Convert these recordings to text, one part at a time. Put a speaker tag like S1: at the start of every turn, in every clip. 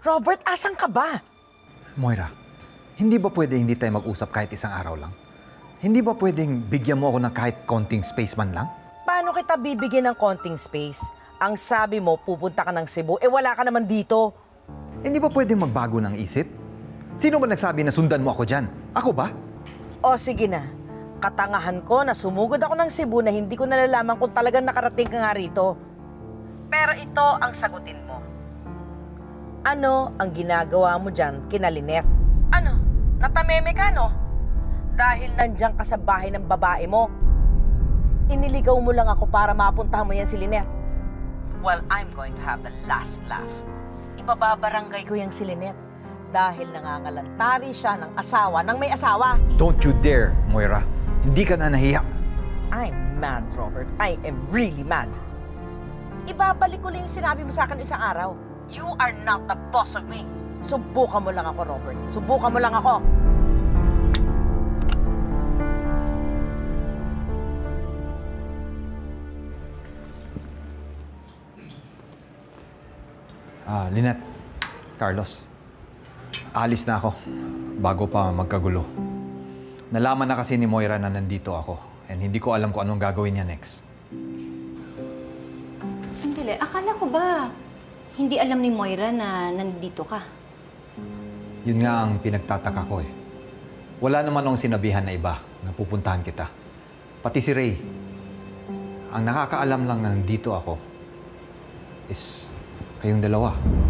S1: Robert, asan ka ba?
S2: Moira, hindi ba pwede hindi tayo mag-usap kahit isang araw lang? Hindi ba pwedeng bigyan mo ako ng kahit konting space man lang?
S1: Paano kita bibigyan ng konting space? Ang sabi mo, pupunta ka ng Cebu, wala ka naman dito.
S2: Hindi ba pwedeng magbago ng isip? Sino ba nagsabi na sundan mo ako dyan? Ako ba?
S1: O sige na, katangahan ko na sumugod ako ng Cebu na hindi ko nalalaman kung talagang nakarating ka nga rito. Pero ito ang sagutin mo. Ano ang ginagawa mo dyan kina Lynette? Ano? Natameme ka, no? Dahil nandiyan ka sa bahay ng babae mo. Iniligaw mo lang ako para mapuntahan mo yan si Lynette. Well, I'm going to have the last laugh. Ipababarangay ko yang si Lynette dahil nangangalantari siya ng asawa ng may asawa.
S2: Don't you dare, Moira. Hindi ka na nahiya.
S1: I'm mad, Robert. I am really mad. Ibabalik ko lang yung sinabi mo sa akin isang araw. You are not the boss of me. Subukan mo lang ako, Robert. Subukan mo lang ako.
S2: Lynette, Carlos, alis na ako bago pa magkagulo. Nalaman na kasi ni Moira na nandito ako and hindi ko alam kung anong gagawin niya next.
S3: Sandali, akala ko ba hindi alam ni Moira na nandito ka?
S2: Yun nga ang pinagtataka ko eh. Wala naman akong sinabihan na iba na pupuntahan kita. Pati si Ray. Ang nakakaalam lang na nandito ako is kayong dalawa.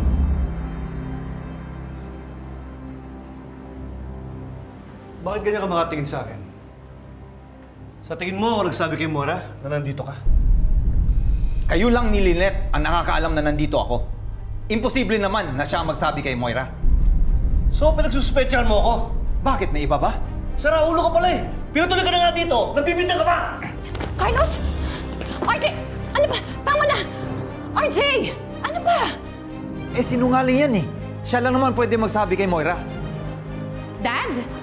S4: Bakit ganyan ka makatingin sa akin? Sa tingin mo, ako nagsabi kay Mora na nandito ka?
S2: Kayo lang ni Lynette ang nakakaalam na nandito ako. Imposible naman na siya ang magsabi kay Moira.
S4: So, pinagsuspetsahan mo ako?
S2: Bakit? May iba ba?
S4: Sara, ulo ka pala eh! Pinutuloy ka na nga dito! Nagbibintang ka pa!
S3: Carlos! RJ! Ano ba? Tama na! RJ! Ano ba?
S2: Eh, sinungaling yan eh. Siya lang naman pwede magsabi kay Moira.
S3: Dad?